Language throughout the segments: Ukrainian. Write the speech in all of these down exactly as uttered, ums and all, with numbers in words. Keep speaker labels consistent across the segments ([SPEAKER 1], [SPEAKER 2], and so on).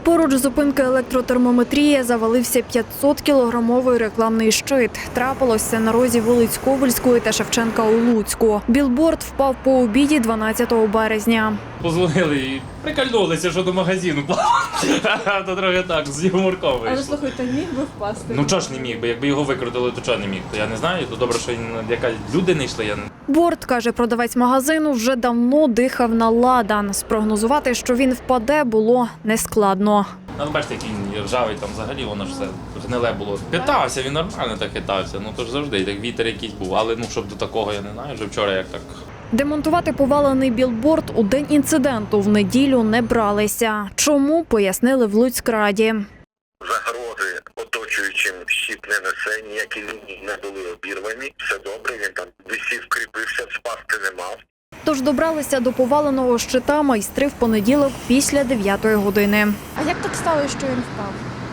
[SPEAKER 1] Поруч зупинки електротермометрії завалився п'ятсоткілограмовий рекламний щит. Трапилось це на розі вулиць Ковальської та Шевченка у Луцьку. Білборд впав по обіді дванадцятого березня.
[SPEAKER 2] Позвонили і прикольнулися, що до магазину. То трохи так, з юморком вийшло.
[SPEAKER 3] Але слухайте, міг би впасти?
[SPEAKER 2] Ну чого ж не міг би, якби його викрутили, то чого не міг? То я не знаю, то добре, що яка люди не йшли. Я...
[SPEAKER 1] Борт, каже продавець магазину, вже давно дихав на ладан. Спрогнозувати, що він впаде, було нескладно.
[SPEAKER 2] Ну, бачите, який він ржавий, там взагалі воно ж все гниле було. Хитався, він нормально так хитався, ну то ж завжди, так вітер якийсь був, але ну щоб до такого, я не знаю, вже вчора як так.
[SPEAKER 1] Демонтувати повалений білборд у день інциденту в неділю не бралися. Чому, пояснили в Луцькраді.
[SPEAKER 4] Загрози оточуючим щит не несе, ніякі лінії не були обірвані, все добре, він там висів, кріпився, спасти не мав.
[SPEAKER 1] Тож добралися до поваленого щита майстри в понеділок після дев'ятої години.
[SPEAKER 3] А як так сталося, що він впав?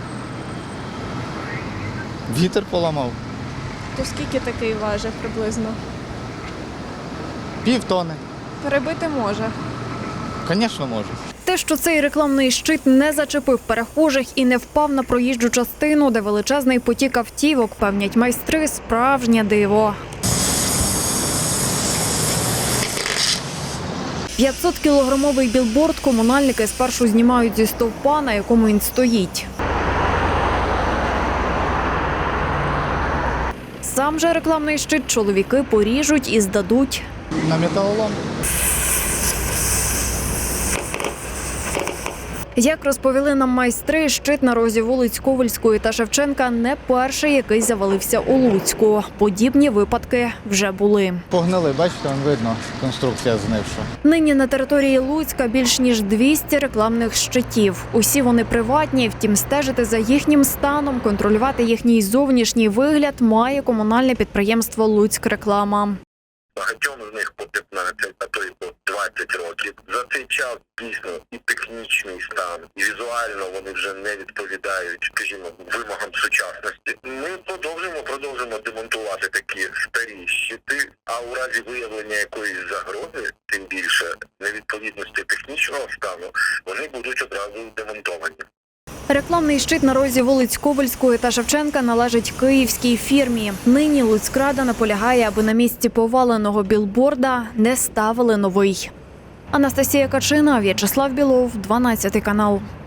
[SPEAKER 5] Вітер поламав.
[SPEAKER 3] То скільки такий важить приблизно?
[SPEAKER 5] Пів тони.
[SPEAKER 3] Перебити може.
[SPEAKER 5] Звісно, може.
[SPEAKER 1] Те, що цей рекламний щит не зачепив перехожих і не впав на проїжджу частину, де величезний потік автівок, певнять майстри, справжнє диво. п'ятсоткілограмовий білборд комунальники спершу знімають зі стовпа, на якому він стоїть. Сам же рекламний щит чоловіки поріжуть і здадуть
[SPEAKER 5] На металолом.
[SPEAKER 1] Як розповіли нам майстри, щит на розі вулиць Ковальської та Шевченка не перший, який завалився у Луцьку. Подібні випадки вже були.
[SPEAKER 5] Погнили, бачите, вон видно, конструкція знивша.
[SPEAKER 1] Нині на території Луцька більш ніж двісті рекламних щитів. Усі вони приватні, втім стежити за їхнім станом, контролювати їхній зовнішній вигляд має комунальне підприємство «Луцькреклама».
[SPEAKER 4] Багатьом з них по п'ятнадцять, а то й по двадцять років. За цей час дійсно і технічний стан, і візуально вони вже не відповідають, скажімо, вимогам сучасності. Ми продовжуємо, продовжуємо демонтувати такі старі щити, а у разі виявлення якоїсь загрози, тим більше невідповідності технічного стану, вони будуть одразу демонтовані.
[SPEAKER 1] Рекламний щит на розі вулиць Ковальської та Шевченка належить київській фірмі. Нині Луцькрада наполягає, аби на місці поваленого білборда не ставили новий. Анастасія Качина, В'ячеслав Білов, дванадцятий канал.